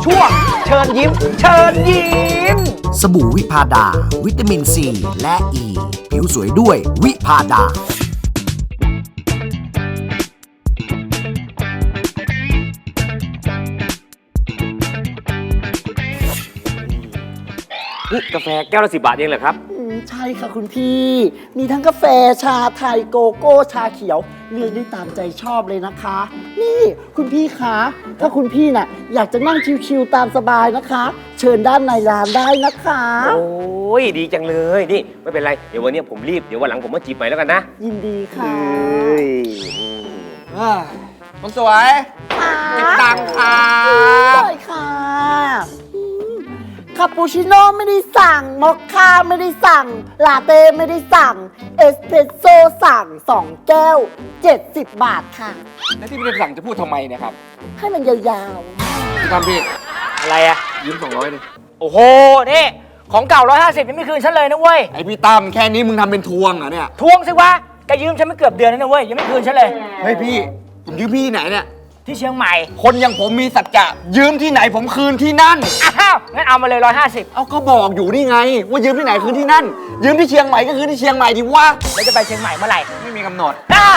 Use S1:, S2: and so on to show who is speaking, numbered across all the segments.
S1: ช่วงเชิญยิ้มเชิญยิ้ม
S2: สบู่วิพาดาวิตามินซีและอ e. ผิวสวยด้วยวิพาดา
S3: นี่กาแฟแก้วละ10 บาทเองเหรอครับ
S4: ใช่ค่ะคุณพี่ มีทั้งกาแฟชาไทยโกโก้ชาเขียวเลือกได้ตามใจชอบเลยนะคะ นี่คุณพี่คะถ้าคุณพี่น่ะอยากจะนั่งชิวๆตามสบายนะคะ เชิญด้านในร้านได้นะคะ
S3: โอ้ยดีจังเลยนี่ไม่เป็นไรเดี๋ยววันนี้ผมรีบเดี๋ยววันหลังผมมาจีบใหม่แล้วกันนะ
S4: ยินดีค่ะ
S1: คนสวยเก็บตังค์ค่ะ
S4: ได้ค่ะคาปูชิโน่ไม่ได้สั่งมอคค่าไม่ได้สั่งลาเต้ไม่ได้สั่งเอสเปรสโซ่สั่ง2 แก้ว 70 บาทค่ะ
S1: แล้วที่พี่สั่งจะพูดทำไมเนี่ยครับ
S4: ให้มันยาว
S1: พี่ทำพี่
S3: อะไรอะ
S1: ยืม200ดิ
S3: โอ้โหนี่ของเก่า150ยังไม่คืนฉันเลยนะเว้ย
S1: ไอพี่ตั้มแค่นี้มึงทำเป็นทวงเหรอเนี่ย
S3: ทวงสิวะแกยืมฉันมาเกือบเดือนแล้วนะเว้ยยังไม่คืนฉันเลย
S1: เฮ้ยพี่ผมยืมพี่ที่ไหนเนี่ย
S3: ที่เชียงใหม่
S1: คนอย่างผมมีสัจจะยืมที่ไหนผมคืนที่นั่น
S3: อ้าวงั้นเอามาเลย150
S1: เอาก็บอกอยู่นี่ไง ว่ายืมที่ไหนคืนที่นั่น ยืมที่เชียงใหม่ก็คือที่เชียงใหม่ดิวะ
S3: แล้วจะไปเชียงใหม่เมื่อไหร่
S1: ไม่มีกำหนด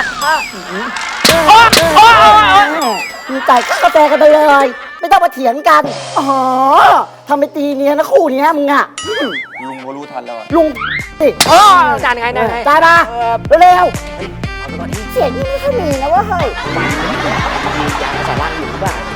S4: ๆมีจ่ายค่ากาแฟกันไปเลย ไม่ต้องมาเถียงกัน อ๋อทำไปตีเนียนะคู่เนี้ยมึงอะ
S1: ลุงก็รู้ทันแล้วอะ
S4: ลุงสิ
S3: อ๋อจานไงนะ
S4: จ่ายมาเร็วๆเสียงนี่ไม่ค่อยมีนะเว่าเฮ้ย
S3: ยาสาร่างอยู่หรือเปล่า